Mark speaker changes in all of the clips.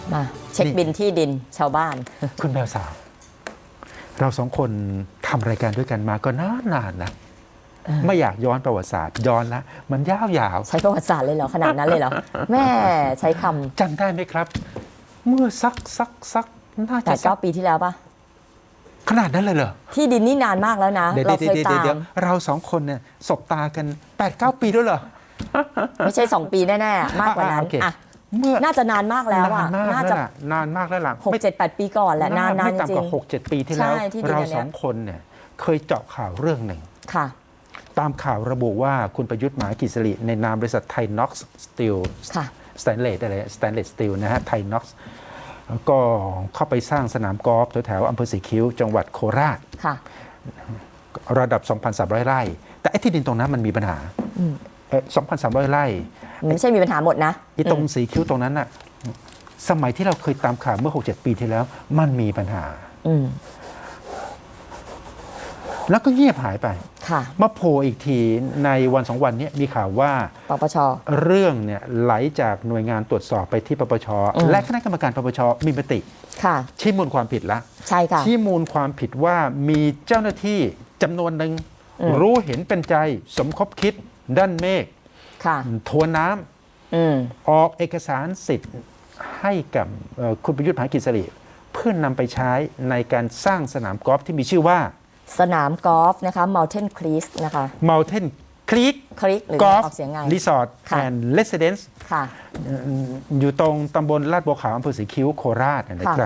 Speaker 1: มาเช็คบินที่ดินชาวบ้าน
Speaker 2: คุณแมวสาวเราสองคนทำรายการด้วยกันมาก็นานนะไม่อยากย้อนประวัติศาสตร์ย้อนละมันยาวๆ
Speaker 1: ใช้ประวัติศาสตร์เลยเหรอขนาดนั้นเลยเหรอแม่ใช้ค
Speaker 2: จำได้ไหมครับ เมื่อสักน่า
Speaker 1: ำ
Speaker 2: จะสัก
Speaker 1: 8-9 ปีที่แล้วปะ
Speaker 2: ขนาดนั้นเลยเหรอ
Speaker 1: ที่ดินนี่นานมากแล้วนะเราเคยตาม
Speaker 2: เราสองคนเนี่ยสบตากัน 8-9 ปีแล้วเหรอ
Speaker 1: ไม่ใช่2 ปีแน่ๆมากกว่านั้นอ่ะ
Speaker 2: เมื่อ
Speaker 1: น่าจะนานมากแล้วอ่ะ
Speaker 2: น่าจะนานมากแล้วล่ะ
Speaker 1: 6-7-8 ปีก่อนแหละนาน
Speaker 2: ไม่
Speaker 1: จริง
Speaker 2: ต่ำกว่า 6-7 ปีที่แล้ว
Speaker 1: ใช่ที่ดิน
Speaker 2: เราสองคนเนี่ยเคยเจาะข่าวเรื่องหนึ่ง
Speaker 1: ค่ะ
Speaker 2: ตามข่าวระบุว่าคุณประยุทธ์ มหากิจสิริในนามบริษัทไทยน็อกซ์สตีล
Speaker 1: ค่ะ
Speaker 2: สแตนเลสสตีลนะฮะไทยน็อกซ์ก็เข้าไปสร้างสนามกอล์ฟแถวๆอำเภอสีคิ้วจังหวัดโคราช
Speaker 1: ค่ะ
Speaker 2: ระดับ 2,300 ไร่ แต่ไอ้ที่ดินตรงนั้นมันมีปัญหา 2,300 ไร่
Speaker 1: ไม่ใช่มีปัญหาหมดนะ
Speaker 2: ที่ตรงสีคิ้วตรงนั้นน่ะสมัยที่เราเคยตามข่าวเมื่อ 6-7 ปีที่แล้ว มันมีปัญหา แล้วก็เงียบหายไป
Speaker 1: ค่ะ
Speaker 2: มาโผล่อีกทีในวัน2 วันนี้มีข่าวว่า
Speaker 1: ปปช.
Speaker 2: เรื่องเนี่ยไหลจากหน่วยงานตรวจสอบไปที่ปปช.และคณะกรรมการปปช.มีมติ
Speaker 1: ค่ะ
Speaker 2: ชี้มูลความผิดละ
Speaker 1: ใช่ค่ะ
Speaker 2: ชี้มูลความผิดว่ามีเจ้าหน้าที่จำนวนหนึ่งรู้เห็นเป็นใจสมคบคิดด้านเมฆ
Speaker 1: ค่ะ
Speaker 2: ทวนน้ำออกเอกสารสิทธิ์ให้กับคุณประยุทธ์ มหากิจสิริเพื่อนำไปใช้ในการสร้างสนามกอล์ฟที่มีชื่อว่า
Speaker 1: สนามกอล์ฟนะคะ Mountain Creek นะคะ
Speaker 2: Mountain Creek
Speaker 1: หรือ
Speaker 2: Golf
Speaker 1: ออกเสียงไง
Speaker 2: Resort
Speaker 1: ค่ะ
Speaker 2: and Residence
Speaker 1: ค่ะ
Speaker 2: อยู่ตรงตำบลลาดบัวขาวอำเภอศรีคิ้วโคราชนะครับ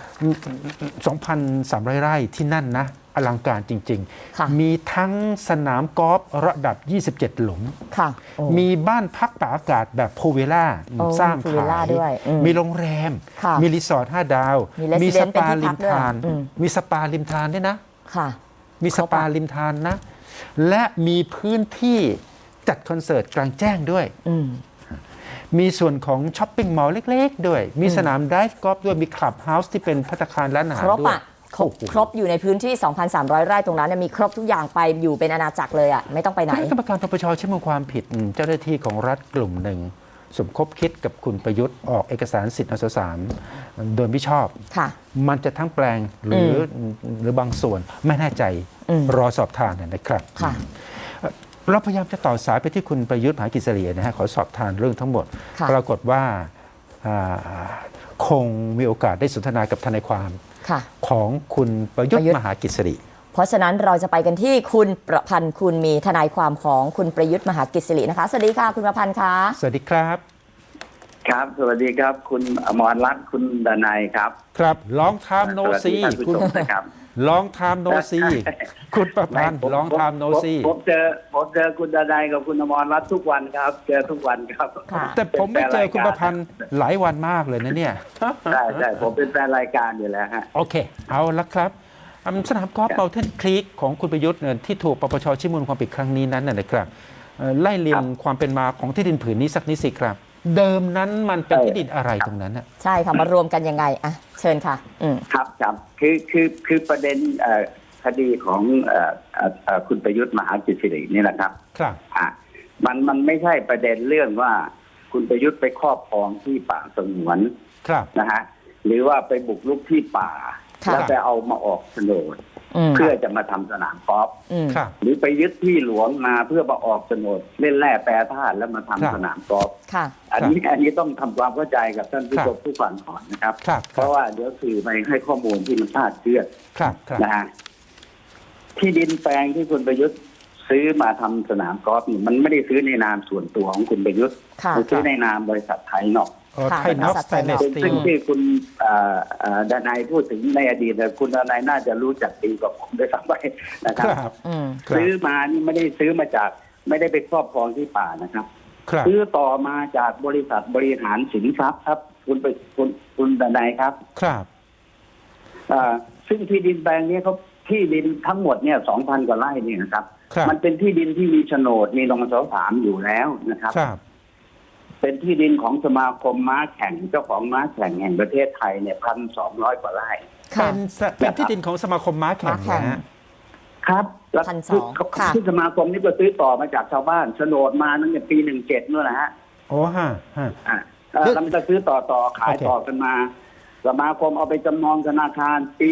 Speaker 2: 2,300 ไร่ที่นั่นนะอลังการจริง
Speaker 1: ค่ะ
Speaker 2: ๆ มีทั้งสนามกอล์ฟระดับ 27 หลุม
Speaker 1: ค่ะโอ้
Speaker 2: มีบ้านพักตากอากาศแบบพูลวิลล่า
Speaker 1: โอ้
Speaker 2: สร้าง
Speaker 1: พูลวิล
Speaker 2: ขา
Speaker 1: ล่าย ด้วย
Speaker 2: มีโรงแรม
Speaker 1: ค่ะ
Speaker 2: มีรีสอร์ท5 ดาว
Speaker 1: มี Residence
Speaker 2: สปา
Speaker 1: เป็นที่
Speaker 2: ริ
Speaker 1: พั
Speaker 2: ม
Speaker 1: กด้วย
Speaker 2: ทาน มีสปาริมทานด้วยนะ
Speaker 1: ค่ะ
Speaker 2: มีสปาริมทานนะ และมีพื้นที่จัดคอนเสิร์ตกลางแจ้งด้วย มีส่วนของช้อปปิ้งมอลล์เล็กๆด้วย มีสนามไดฟ์กอล์ฟด้วย มีคลับเฮาส์ที่เป็นภัตตาคารร้านอาหาร
Speaker 1: ครบ
Speaker 2: ด้วย
Speaker 1: อ่ะ ครบอยู่ในพื้นที่ 2,300 ไร่ตรงนั้นเนยมีครบทุกอย่างไปอยู่เป็นอาณาจักรเลยอ่ะ ไม่ต้องไปไหน
Speaker 2: คณะกรรมการปปชชี้มูลความผิดเจ้าหน้าที่ของรัฐกลุ่มหนึ่ง สมคบคิดกับคุณประยุทธ์ออกเอกสารสิทธิ์อสสามโดยไม่ชอบ
Speaker 1: ค่ะ
Speaker 2: มันจะทั้งแปลงหรือบางส่วนไม่แน่ใจรอสอบทานนะครับ
Speaker 1: ค่ะ
Speaker 2: เราพยายามจะต่อสายไปที่คุณประยุทธ์ มหากิจสิรินะฮะขอสอบทานเรื่องทั้งหมด
Speaker 1: ค่ะ
Speaker 2: ปรากฏว่าคงมีโอกาสได้สนทนากับทนายความ
Speaker 1: ค่ะ
Speaker 2: ของคุณประยุท
Speaker 1: ประ
Speaker 2: ธ์
Speaker 1: ยุทธ์
Speaker 2: มหากิจสิริ
Speaker 1: เพราะฉะนั้นเราจะไปกันที่คุณประพันธ์คุณมีทนายความของคุณประยุทธ์มหากิจสิรินะคะ สวัสดีค่ะคุณประพันธ์คะ
Speaker 2: สวัสดีครับ
Speaker 3: ครับ สวัสดีครับ คุณอมรรัตน์คุณดนัยครับ
Speaker 2: ครับลองทามโน
Speaker 3: สวัส
Speaker 2: ซี
Speaker 3: ดีท่านผู้
Speaker 2: คุณ
Speaker 3: ชมนะครับ
Speaker 2: ลองทามโนซีคุณประพันธ์ลองทามโนซี
Speaker 3: ผมเจอคุณดนัยกับคุณอมรรัตน์ทุกวันครับ เจอทุกวันครับ
Speaker 1: ค่ะ
Speaker 2: แต่ผมไม่เจอคุณประพันธ์หลายวันมากเลยนะเนี่ย
Speaker 3: ใช่ผมเป็นแฟนรายการอยู่แล้วฮะ
Speaker 2: โอเค เอาละครับสนามกอล์ฟ Mountain Creek ของคุณประยุทธ์ที่ถูกปปชชี้มูลความผิดครั้งนี้นั้นนะครับไล่เรียงความเป็นมาของที่ดินผืนนี้สักนิดสิครับ เดิมนั้นมันเป็นที่ดินอะไรตรงนั้นน่ะ
Speaker 1: ใช่ค่ะ มารวมกันยังไงอ่ะเชิญค่ะ
Speaker 3: ครับคือประเด็นคดีของคุณประยุทธ์มหากิจสิรินี่แหละครับ
Speaker 2: ครับ
Speaker 3: มันไม่ใช่ประเด็นเรื่องว่าคุณประยุทธ์ไปครอบครองที่ป่าสงวน
Speaker 2: ครับ
Speaker 3: นะฮะหรือว่าไปบุกรุกที่ป่า
Speaker 1: ค่ะ
Speaker 3: แล้วไปเอามาออกโฉนดเพื่อจะมาทำสนามกอล์ฟ
Speaker 2: ครับ
Speaker 3: หรือไปยึดที่หลวงมาเพื่อมาออกโฉนดเล่นแร่แปรธาตุแล้วมาทำ
Speaker 2: ครับ
Speaker 3: สนามกอล์ฟ
Speaker 1: ค่ะ
Speaker 3: อันนี้ต้องทำความเข้าใจกับท่านผู้ชมผู้ฟังก่อนนะครับ
Speaker 2: ครับ
Speaker 3: เพราะว่าเดี๋ยวสื่อไปให้ข้อมูลที่มันคลาดเคลื่อน
Speaker 2: ครับครับ
Speaker 3: นะฮะที่ดินแปลงที่คุณประยุทธ์ซื้อมาทำสนามกอล์ฟนี่มันไม่ได้ซื้อในนามส่วนตัวของคุณประยุทธ์
Speaker 1: ค่ะ
Speaker 3: มันซื้อในนามบริษัทไทยนอก
Speaker 2: ไทยน็อกสแตนเลสสตี
Speaker 3: ซึ่ง
Speaker 2: ล
Speaker 3: ที่คุณดนัยพูดถึงในอดีตแต่คุณดนัยน่าจะรู้จักดีกว่าผมด้วยซ้ำไปนะค
Speaker 2: ครับ รับ
Speaker 3: ซื้อมานี่ไม่ได้ซื้อมาจากไม่ได้ไปครอบครองที่ป่านะครับ
Speaker 2: ครับ
Speaker 3: ซื้อต่อมาจากบริษัทบริหารสินทรัพย์ครับ คุณดนัยครับ
Speaker 2: ครับ
Speaker 3: ซึ่งที่ดินแปลงนี้เขาที่ดินทั้งหมดเนี่ย 2,000 กว่าไร่เนี่ยนะครับ
Speaker 2: ครับ
Speaker 3: มันเป็นที่ดินที่มีโฉนดมีนส.3อยู่แล้วนะครับ
Speaker 2: ครับ
Speaker 3: เป็นที่ดินของสมาคมม้าแข่งเจ้าของม้าแข่งแห่งประเทศไทยเนี่ย 1,200 กว่าไร่
Speaker 1: ค่ะ
Speaker 2: เป็นที่ดินของสมาคมม้าแข่ง
Speaker 1: ม้าแข่ง
Speaker 2: นะฮะ
Speaker 3: ครับแล้ว
Speaker 1: 1,200ค่ะ
Speaker 3: ที่สมาคมนี่ก็ซื้อต่อมาจากชาวบ้านโฉนดมาตั้งแต่ปี 17นู่นนะฮะ
Speaker 2: โอ้ฮะ
Speaker 3: อ่ามันจะซื้อต่อขาย
Speaker 2: โอเค
Speaker 3: ต่อกันมาสมาคมเอาไปจำนองธนาคารปี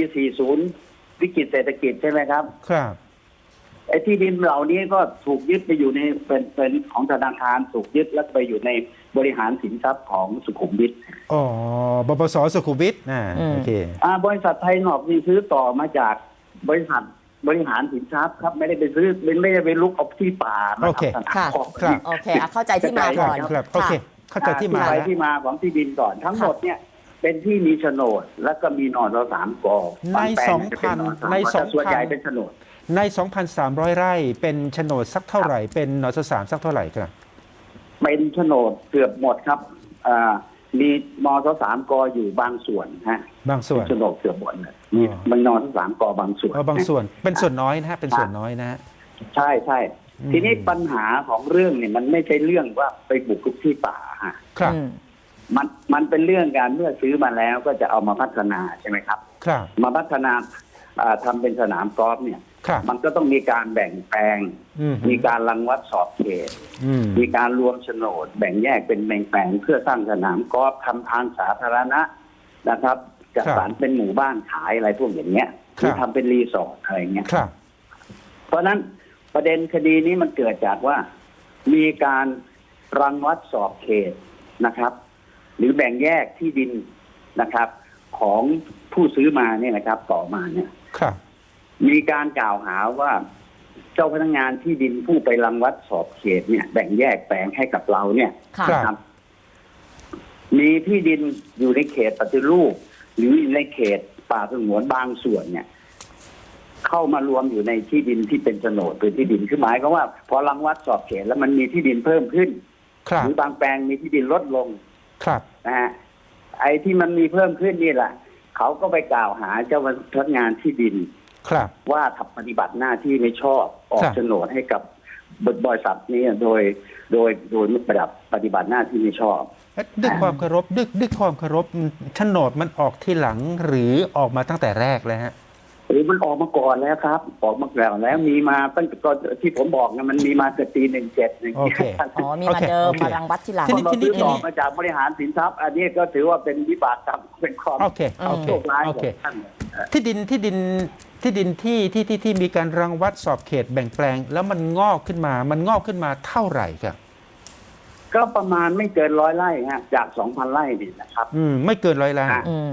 Speaker 3: 40 วิกฤตเศรษฐกิจใช่ไหมครับ
Speaker 2: ครับ
Speaker 3: ไอ้ที่ดินเหล่านี้ก็ถูกยึดไปอยู่ในเป็นของธนาคารถูกยึดแล้วไปอยู่ในบริหารสินทรัพย์ของสุขุมวิท
Speaker 2: อ๋อ บปสสุขุมวิทโอเค
Speaker 3: บริษัทไทยนอกนี่ซื้อต่อมาจากบริษัทบริหารสินทรัพย์ครับไม่ได้ไปซื้อไม่ได้ไปลุกเอาที่ป่ามา
Speaker 2: โอเค
Speaker 3: ทำสนาม
Speaker 1: ค่ะ
Speaker 3: กอล์ฟ
Speaker 2: ครับ
Speaker 1: โอเคเข้าใจที่มาก่อน
Speaker 2: ครับ โอเค เข้าใจที่มา
Speaker 3: ไป
Speaker 2: แล้ว
Speaker 3: ที่มาของที่ดินก่อนทั้งหมดเนี่ยเป็นที่มีโฉนดแล้วก็มีนอสามกอ
Speaker 2: ใน
Speaker 3: บางแปลงจะเป็นนสาม
Speaker 2: ใน
Speaker 3: กอแต่ส่วนใหญ่
Speaker 2: 2,000
Speaker 3: เป็นโฉนด
Speaker 2: ใน 2,300 ไร่เป็นโฉนดสักเท่าไหร่ เป็นนสสามสักเท่าไหร่ครับ
Speaker 3: เป็นโฉนดเกือบหมดครับมีนอสามกออยู่บางส่วนฮะ
Speaker 2: บางส่วน
Speaker 3: โฉนดเกือบหมดเลยมี
Speaker 2: อ๋อ
Speaker 3: มันนอสามกอบางส่วน
Speaker 2: บางส่วน เป็นส่วนน้อยนะฮะ เป็นส่วนน้อยนะฮะ
Speaker 3: ใช่ใช่
Speaker 2: อืม
Speaker 3: ทีนี้ปัญหาของเรื่องเนี่ยมันไม่ใช่เรื่องว่าไปบุกรุกที่ป่าฮะ
Speaker 2: ครับ
Speaker 3: มันเป็นเรื่องการเมื่อซื้อมาแล้วก็จะเอามาพัฒนาใช่ไหมครับ
Speaker 2: ครับ
Speaker 3: มาพัฒนาทำเป็นสนามกอล์ฟเนี่ย
Speaker 2: ครับ
Speaker 3: มันก็ต้องมีการแบ่งแปลง
Speaker 2: อืม
Speaker 3: มีการรังวัดสอบเขต
Speaker 2: อืม
Speaker 3: มีการรวมโฉนด แบ่งแยกเป็นแบ่งแปลงเพื่อสร้างสนามกอล์ฟทำทางสาธารณะนะครับจัดสรรเป็นหมู่บ้านขายอะไรพวกอย่างเงี้ยหรือทำเป็นรีสอร์ทอะไรเงี้ย
Speaker 2: ครับ
Speaker 3: เพราะฉะนั้นประเด็นคดีนี้มันเกิดจากว่ามีการรังวัดสอบเขตนะครับ หรือแบ่งแยกที่ดินนะครับ ของผู้ซื้อมาเนี่ยนะครับ ต่อมาเนี่ย
Speaker 2: ครับ
Speaker 3: มีการกล่าวหาว่าเจ้าพนักงานที่ดินผู้ไปรังวัดสอบเขตเนี่ย แบ่งแยกแปลงให้กับเราเนี่ย
Speaker 1: ค่ะ
Speaker 3: นะครับ มีที่ดินอยู่ในเขตปฏิรูปหรือในเขตป่าสงวนบางส่วนเนี่ย เข้ามารวมอยู่ในที่ดินที่เป็นโฉนดเป็นที่ดินคือหมายก็ว่า พอรังวัดสอบเขตแล้วมันมีที่ดินเพิ่มขึ้น
Speaker 2: ครับ
Speaker 3: หรือบางแปลงมีที่ดินลดลง
Speaker 2: ครับ
Speaker 3: นะฮะไอ้ที่มันมีเพิ่มขึ้นนี่แหละเขาก็ไปกล่าวหาเจ้าพนักงานที่ดิน
Speaker 2: ครับ
Speaker 3: ว่าทำปฏิบัติหน้าที่ไม่ชอบออก
Speaker 2: ครับ
Speaker 3: โฉนดให้กับบริษัทนี้โดยไม่ปฏิบัติหน้าที่ไม่ชอบ
Speaker 2: ด้วยความเคารพด้วยความเคารพโฉนดมันออกที่หลังหรือออกมาตั้งแต่แรกเลยฮะ
Speaker 3: หรือมันออกมาก่อนแล้วครับออกมาก่อนแล้วมีมาตั้งแต่ตอนที่ผมบอกนะมันมีมาเกิดปี17อย่าง
Speaker 2: โอ
Speaker 3: เงี้
Speaker 2: เค
Speaker 3: ย
Speaker 1: อ๋อมี
Speaker 2: โอ
Speaker 1: มา
Speaker 2: เค
Speaker 1: เดิม
Speaker 2: โอเค
Speaker 1: มารังวัดทีหลัง
Speaker 2: ทีนี้
Speaker 3: เราซื้อต่อมาจากบริหารสินทรัพย์ อันนี้ก็ถือว่าเป็นวิบากกรรมเป็นความ
Speaker 2: โอเคโอเค
Speaker 3: โชคร้าย
Speaker 2: โอ
Speaker 3: ขอ
Speaker 2: เค
Speaker 3: งท่าน
Speaker 2: ที่ดินที่มีการรังวัดสอบเขตแบ่งแปลง แล้วมันงอกขึ้นมาเท่าไหร่ครับ
Speaker 3: ก็ประมาณไม่เกิน100 ไร่ฮะจาก 2,000 ไร่นี่นะครับ
Speaker 2: ไม่เกิน100 ล้าน
Speaker 1: อืม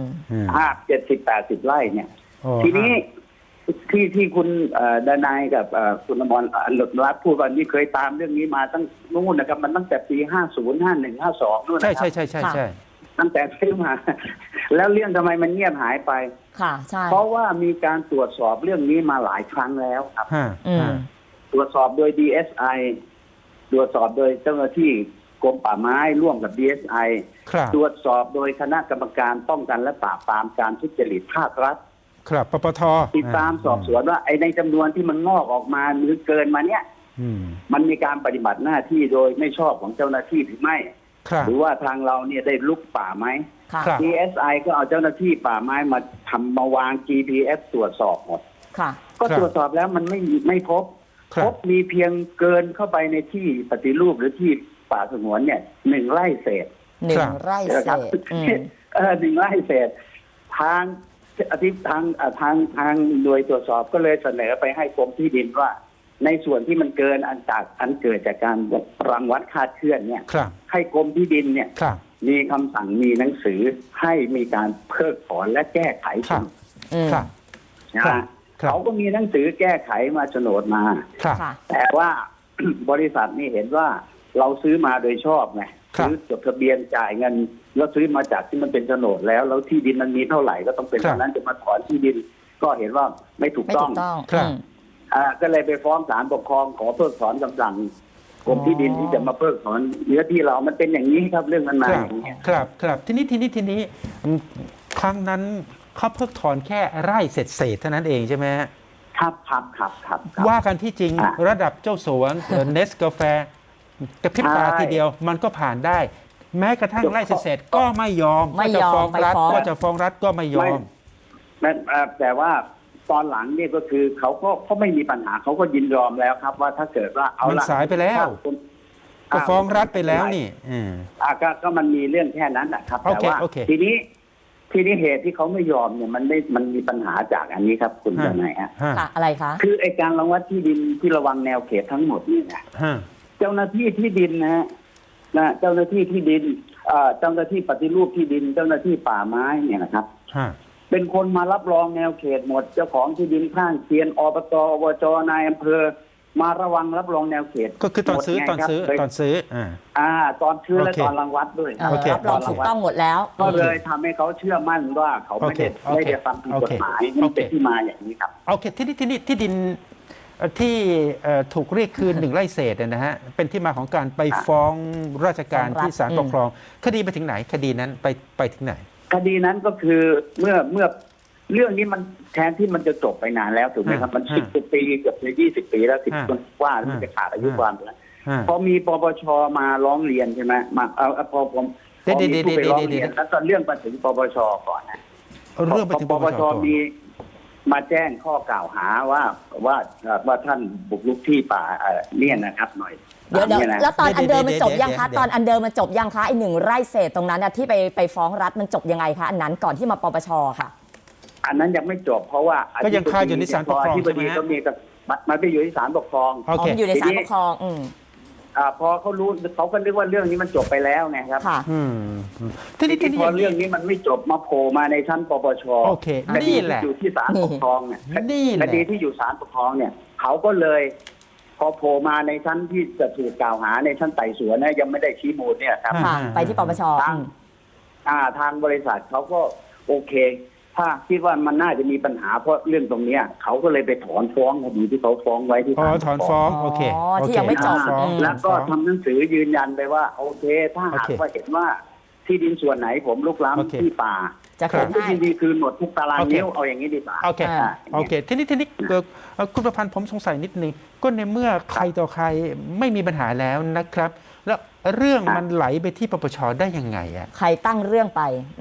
Speaker 3: 70-80 ไร่เนี่ย
Speaker 2: อ๋อ
Speaker 3: ทีนี้ที่คุณดนายกับคุณอมรหลุดรัตน์พูดว่านี่เคยตามเรื่องนี้มาตั้งนู่นนะครับมันตั้งแต่ปี 50 51 52นู่น
Speaker 2: ใช่
Speaker 3: นะครับ
Speaker 2: ใช่
Speaker 3: ตั้งแต่ซื้อมา แล้วเรื่องทำไมมันเงียบหายไป
Speaker 1: ค่ะ ใช่
Speaker 3: เพราะว่ามีการตรวจสอบเรื่องนี้มาหลายครั้งแล้วครับ
Speaker 2: ฮะ
Speaker 1: อืม
Speaker 2: ฮะ
Speaker 3: ตรวจสอบโดย DSI ตรวจสอบโดยเจ้าหน้าที่กรมป่าไม้ร่วมกับ DSI
Speaker 2: ครับ
Speaker 3: ตรวจสอบโดยคณะกรรมการป้องกันและปราบปรามการทุจริตภาครัฐ
Speaker 2: ครับปปท
Speaker 3: ติดตามสอบสวนว่าไอ้ในจำนวนที่มันงอกออกมาหรือเกินมาเนี่ย
Speaker 2: อืม
Speaker 3: มันมีการปฏิบัติหน้าที่โดยไม่ชอบของเจ้าหน้าที่หรือไม่
Speaker 2: ครับ
Speaker 3: หรือว่าทางเราเนี่ยได้ลุกป่าไหม
Speaker 1: ค่ะ
Speaker 2: ครับ
Speaker 3: DSI ก็เอาเจ้าหน้าที่ป่าไม้มาวาง GPS ตรวจสอบหมด
Speaker 1: ค่ะ
Speaker 3: ก็
Speaker 2: ครับ
Speaker 3: ตรวจสอบแล้วมันไม่พบ
Speaker 2: ครับ
Speaker 3: พบมีเพียงเกินเข้าไปในที่ปฏิรูปหรือที่ป่าสงวนเนี่ย1 ไร่เศษ
Speaker 1: หนึ่
Speaker 2: ครั
Speaker 1: ง
Speaker 2: บ
Speaker 1: ไร่
Speaker 3: นะ
Speaker 1: เศ
Speaker 3: ครับ
Speaker 1: ษอืม
Speaker 3: 1 ไร่เศษทางทางโดยตรวจสอบก็เลยเสนอไปให้กรมที่ดินว่า ในส่วนที่มันเกินอันเกิดจากการรังวัดคาดเคลื่อนเนี่ย
Speaker 2: ครับ
Speaker 3: ให้กรมที่ดินเนี่ย
Speaker 2: ครับ
Speaker 3: มีคำสั่งมีหนังสือให้มีการเพิกถอนและแก้ไข
Speaker 2: ครับ
Speaker 1: อืม
Speaker 2: ครับ
Speaker 3: นะ
Speaker 2: ครั
Speaker 3: ฮะ
Speaker 2: บครับ
Speaker 3: เขาก็มีหนังสือแก้ไขมาโฉนดมา
Speaker 2: ครับ
Speaker 1: ค่ะ
Speaker 3: แต่ว่า บริษัทนี่เห็นว่าเราซื้อมาโดยชอบไง
Speaker 2: ครับ
Speaker 3: ซื้อจดทะเบียนจ่ายเงินแล้วซื้อมาจากที่มันเป็นโฉนดแล้วที่ดินมันมีเท่าไหร่ก็ต้องเป็น
Speaker 2: ครับ
Speaker 3: เท่านั้นจะมาถอนที่ดิน ก็เห็นว่าไม่ถูก
Speaker 1: ไม่
Speaker 3: ต้
Speaker 1: ถู
Speaker 3: อง
Speaker 1: กต้อง
Speaker 2: ครับ
Speaker 3: ก็เลยไปฟ้องศาลปกครองขอเพิกถอนคำสั่งกรมที่ดินที่จะมาเพิกถอนเนื้อที่เรามันเป็นอย่างนี้ครับเรื่องมันมา
Speaker 2: ครับ
Speaker 3: อย่างนี้ย
Speaker 2: ครับทีนี้ครั้งนั้นเขาเพิกถอนแค่ไร่เศษเท่านั้นเองใช่ไหมฮะ
Speaker 3: ครับ
Speaker 2: ว่ากันที่จริง
Speaker 3: อ่ะ
Speaker 2: ระดับเจ้าสวนเนสกาแฟกระพริบตา
Speaker 3: ใช่
Speaker 2: ทีเดียวมันก็ผ่านได้ แม้กระทั่งไร่เศษก็ไม่ยอม
Speaker 1: ไม่ยอม
Speaker 2: ก็จะฟ้องรัฐ
Speaker 1: ไปฟ้อง
Speaker 2: ก็จะฟ้องรัฐก็ไม่ยอม
Speaker 3: แต่ว่าตอนหลังเนี่ยก็คือเขาไม่มีปัญหาเขาก็ยินยอมแล้วครับ ว่าถ้าเกิดว่าเอา
Speaker 2: มัน
Speaker 3: ละ
Speaker 2: สายไปแล้วก็ฟ้องรัฐไปแล้วนี่
Speaker 3: ก็มันมีเรื่องแค่นั้นนะครับ
Speaker 2: โอ
Speaker 3: แต่
Speaker 2: เค
Speaker 3: ว่า
Speaker 2: โอเค
Speaker 3: ทีนี้เหตุที่เขาไม่ยอมเนี่ยมันมีปัญหาจากอันนี้ครับคุณทนายฮะ
Speaker 1: ค่ะอะไรคะ
Speaker 3: คือไอการรังวัดที่ดินที่ระวังแนวเขตทั้งหมดนี่นะเจ้าหน้าที่ที่ดินนะฮะเจ้าหน้าที่ที่ดินเจ้าหน้าที่ปฏิรูปที่ดิน เจ้าหน้าที่ป่าไม้เนี่ยนะครับเป็นคนมารับรองแนวเขตหมดเจ้าของที่ดินข้างเคียนอบตอบจนายอำเภอมาระวังรับรองแนวเขต
Speaker 2: ก็คือตอนซื้อ
Speaker 3: หมดไงครับ
Speaker 2: ตอนซื้อ
Speaker 3: ตอนซื้อและ
Speaker 2: โอเค
Speaker 3: ตอนรังวัดด้วย
Speaker 2: โอเค
Speaker 1: รับรองถูกต้องหมดแล้ว
Speaker 3: ก็เลยทำให้เขาเชื่อมั่นว่าเขาไม่ได้
Speaker 2: โอเค
Speaker 3: ไม่ได้ฟังผิดกฎหมายมันเป็นที่มาอย่างนี้ครับ
Speaker 2: โอเคที่ดินที่ถูกเรียกคืน1 ไร่เศษนะฮะเป็นที่มาของการไปฟ้องราชการที่ศาลปกครองคดีไปถึงไหนคดีนั้นไปถึงไหน
Speaker 3: คดีนั้นก็คือเมื่อเรื่องนี้มันแทนที่มันจะจบไปนานแล้วถูกไหมครับมัน10 ปีเกือบจะ20 ปีแล้ว10 ปีว่ามันจะขาดอายุความแล้วพอมีปปชมาร้องเรียนใช่ไหมมาพอมีผู้ไปร้องเรียนแล้วก็เรื่องมาถึงปปชก่อนนะ
Speaker 2: เรื่องไปถึงปปช
Speaker 3: มีมาแจ้งข้อกล่าวหาว่าท่านบุกรุกที่ป่าเนี่ยนะครับหน่อย
Speaker 1: เดี๋ยวแล้วตอนอันเดิมมันจบยังคะตอนอันเดิมมันจบยังคะไอ้1 ไร่เศษตรงนั้นที่ไปฟ้องรัฐมันจบยังไงคะอันนั้นก่อนที่มาปปชค่ะ
Speaker 3: อันนั้นยังไม่จบเพราะว่า
Speaker 2: ก็ยังคาอยู่ในศาลปกครองใช่ไหม
Speaker 3: ก็มีมันไปอยู่ที่ศาลปกครอง
Speaker 1: มันอยู่ในศาลปกครอง
Speaker 3: พอเขารู้เขาก็นึกว่าเรื่องนี้มันจบไปแล้วไงครับทีนี้พอเรื่องนี้มันไม่จบมาโผล่มาในชั้นปปช
Speaker 2: โอเคนี่แหละ
Speaker 3: อยู่ที่ศาลปกครองเนี่ยคดีที่อยู่ศาลปกครองเนี่ยเขาก็เลยพอโผล่มาในชั้นที่จะถูกกล่าวหาในชั้นไต่สวนนะยังไม่ได้ชี้มูลเนี่ยครับ
Speaker 1: ไปที่ปปช
Speaker 3: ทางบริษัทเขาก็โอเคถ้าคิดว่ามันน่าจะมีปัญหาเพราะเรื่องตรงเนี้ยเขาก็เลยไปถอนฟ้องคดีที่เขาฟ้องไว้ที่ศาล
Speaker 2: ถอนฟ้องโอเค
Speaker 1: ที่ยังไม่จบ
Speaker 3: แล้วก็ทำหนังสือยืนยันไปว่าโอเคถ้าหากว่าเห็นว่าที่ดินส่วนไหนผมลุกล้ำที่ป่า
Speaker 1: จะคืนให้
Speaker 3: ยินดีคืนหมดทุกตารางนิ้วเอาอย่างนี้ดีกว่า
Speaker 2: โอเคทีนี้คุณประพันธ์ผมสงสัยนิดนึงก็ในเมื่อใครต่อใครไม่มีปัญหาแล้วนะครับแล้วเรื่องมันไหลไปที่ปปชได้ยังไงอ่ะ
Speaker 1: ใครตั้งเรื่องไป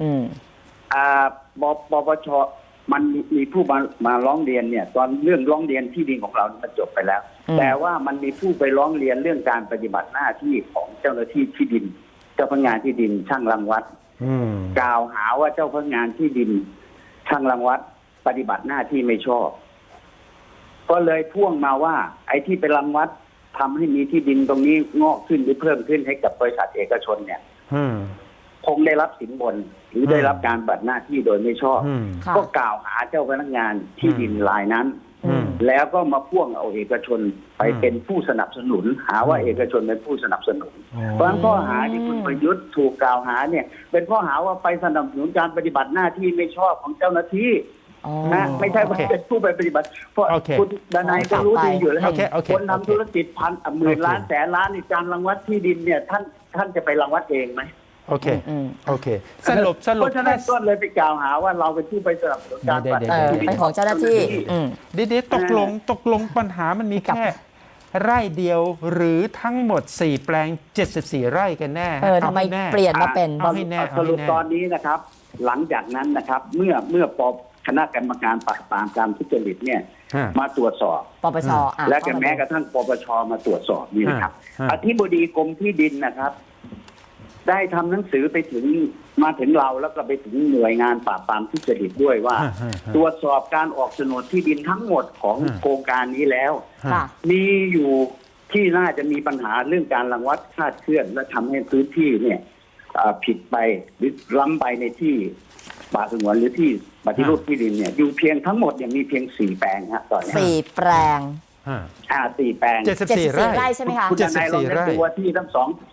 Speaker 3: ปปชมันมีผู้มาร้องเรียนเนี่ยตอนเรื่องร้องเรียนที่ดินของเรามันจบไปแล้วแต่ว่ามันมีผู้ไปร้องเรียนเรื่องการปฏิบัติหน้าที่ของเจ้าหน้าที่ที่ดินเจ้าพนักงานที่ดินช่างรังวัดกล่าวหาว่าเจ้าพนักงานที่ดินช่างรังวัดปฏิบัติหน้าที่ไม่ชอบก็เลยพ่วงมาว่าไอ้ที่ไปรังวัดทำให้มีที่ดินตรงนี้งอกขึ้นหรือเพิ่มขึ้นให้กับบริษัทเอกชนเนี่ยคงได้รับสินบนหรือได้รับการปฏิบัติหน้าที่โดยไม่ชอบก็กล่าวหาเจ้าพนักงานที่ดินรายนั้นแล้วก็มาพ่วงเอาเอกชนไปเป็นผู้สนับสนุนหาว่าเอกชนเป็นผู้สนับสนุนเพราะฉะนั้นข้อหาที่คุณประยุทธ์ถูกกล่าวหาเนี่ยเป็นข้อหาว่าไปสนับสนุนการปฏิบัติหน้าที่ไม่ชอบของเจ้าหน้าที่นะไม่ใช่ว่าเป็นผู้ไปปฏิบัติเพราะคุณดนายก็รู้ดีอยู่แล้วคนทำธุรกิจพันหมื่นล้านแสนล้านในการรังวัดที่ดินเนี่ยท่านจะไปรังวัดเองไหม
Speaker 2: โอเคสรุป
Speaker 3: เพราะฉะนั้นต้นเลยไปกล่าวหาว่าเราเป็นผู้ไปสนับสนุนการปฏิบัติ
Speaker 1: เป็นของเจ้าหน้าที่
Speaker 2: เดี๋ยวตกลงปัญหามันมีแค่ไร่เดียวหรือทั้งหมด4 แปลง74 ไร่กันแน่
Speaker 1: ทำไมเปลี่ยนมาเป็น
Speaker 3: สรุปตอนนี้นะครับหลังจากนั้นนะครับเมื่อคณะกรรมการปราบปรามการทุจริตเนี่ยมาตรวจสอบ
Speaker 1: ปปช
Speaker 3: และแม้กระทั่งปปชมาตรวจสอบนี่นะครับอธิบดีกรมที่ดินนะครับได้ทำหนังสือไปถึงมาถึงเราแล้วก็ไปถึงหน่วยงานปราบปรามทุจริตด้วยว่าตรวจสอบการออกโฉนดที่ดินทั้งหมดของโครงการนี้แล้วมีอยู่ที่น่าจะมีปัญหาเรื่องการรังวัดคลาดเคลื่อนและทำให้พื้นที่เนี่ยผิดไปหรือล้ำไปในที่ป่าสงวนหรือที่ปฏิรูปที่ดินเนี่ยอยู่เพียงทั้งหมดเนี่ยมีเพียง4 แปลงครับตอนนี้
Speaker 1: 4 แปลง
Speaker 3: 4 แปลง
Speaker 1: 74 ไร่ใช่ไหมคะ
Speaker 3: 74 ไร่ตัวที่ทั้ง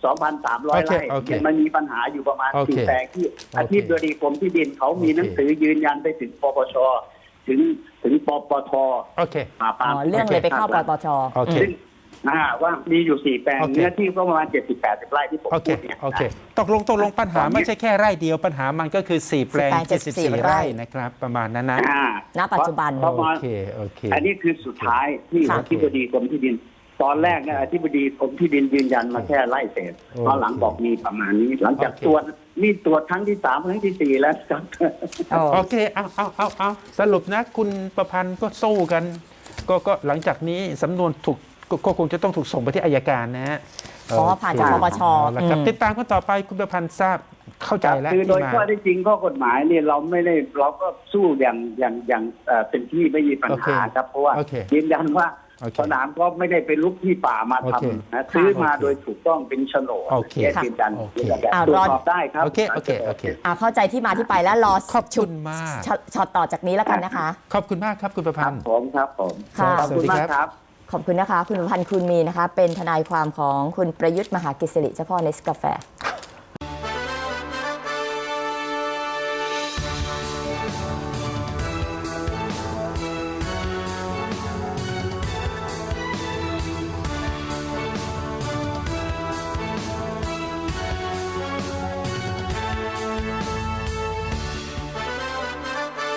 Speaker 3: 2,300 ไร่มันมีปัญหาอยู่ประมาณ4 แปลงที่อธิบดีกรมที่ดินเขามีหนังสือยืนยันไปถึงปปชถึงปปท
Speaker 1: เรื่องเลยไปเข้าปปช
Speaker 3: ว่ามีอยู่4 แปลงเนื้อที่ก็ประมาณ70-80 ไร่ที่ผมพูดเนี่ย
Speaker 2: โอเคตกลงปัญหาไม่ใช่แค่ไร่เดียวปัญหามันก็คือ4 แปลง74 ไร่นะครับประมาณนั้นนะ
Speaker 1: ณปัจจุบัน
Speaker 2: โอเค
Speaker 3: อันนี้คือสุดท้ายที่อธิบดีกรมที่ดินตอนแรกเนี่ยอธิบดีกรมที่ดินยืนยันมาแค่ไร่เศษตอนหลังบอกมีประมาณนี้หลังจากตรวจครั้งที่3ครั้งที่4แล้วครับ
Speaker 2: โอเคเอาสรุปนะคุณประพันธ์ก็สู้กันก็หลังจากนี้สำนวนถูกก็คงจะต้องถูกส่งไปที่อัยการนะฮะ
Speaker 1: อ๋อผ่านจากปปช
Speaker 2: เอาละครับ
Speaker 1: อืม
Speaker 2: ติดตามกันต่อไปคุณประพันธ์ทราบเข้าใจแล้ว
Speaker 3: คือโดย
Speaker 2: ที่มา
Speaker 3: ข้อที่จริงข้อกฎหมายเนี่ยเราก็สู้อย่างเต็มที่ไม่มีปัญหาครับเพราะว่า
Speaker 2: โอเค
Speaker 3: ยืนยันว่า
Speaker 2: โอเค
Speaker 3: สนามก็ไม่ได้เป็นลุกที่ป่ามา
Speaker 2: โอเค
Speaker 3: ทำนะซื้อมา
Speaker 2: โอเค
Speaker 3: โดยถูกต้องเป็นโฉนด
Speaker 2: โอเค
Speaker 3: แค่ยืนยัน
Speaker 2: โอเค
Speaker 3: ตรวจสอบได้ครับ
Speaker 2: โอเคโอเคโอเค
Speaker 1: เข้าใจที่มาที่ไปแล้วรอ
Speaker 2: ขอบคุณมาก
Speaker 1: ช็อตต่อจากนี้แล้วกันนะคะ
Speaker 2: ขอบคุณมากครับคุณประ
Speaker 3: ค
Speaker 2: พั
Speaker 3: รั
Speaker 2: น
Speaker 3: บ
Speaker 2: ธ์
Speaker 3: ผมครับผม
Speaker 1: ค่ะ
Speaker 3: ขอบคุณมากครับ
Speaker 1: ขอบคุณนะคะ คุณพันธ์คุณมีนะคะ เป็นทนายความของคุณประยุทธ์มหากิจสิริเจ้าพ่อเนสกาแฟ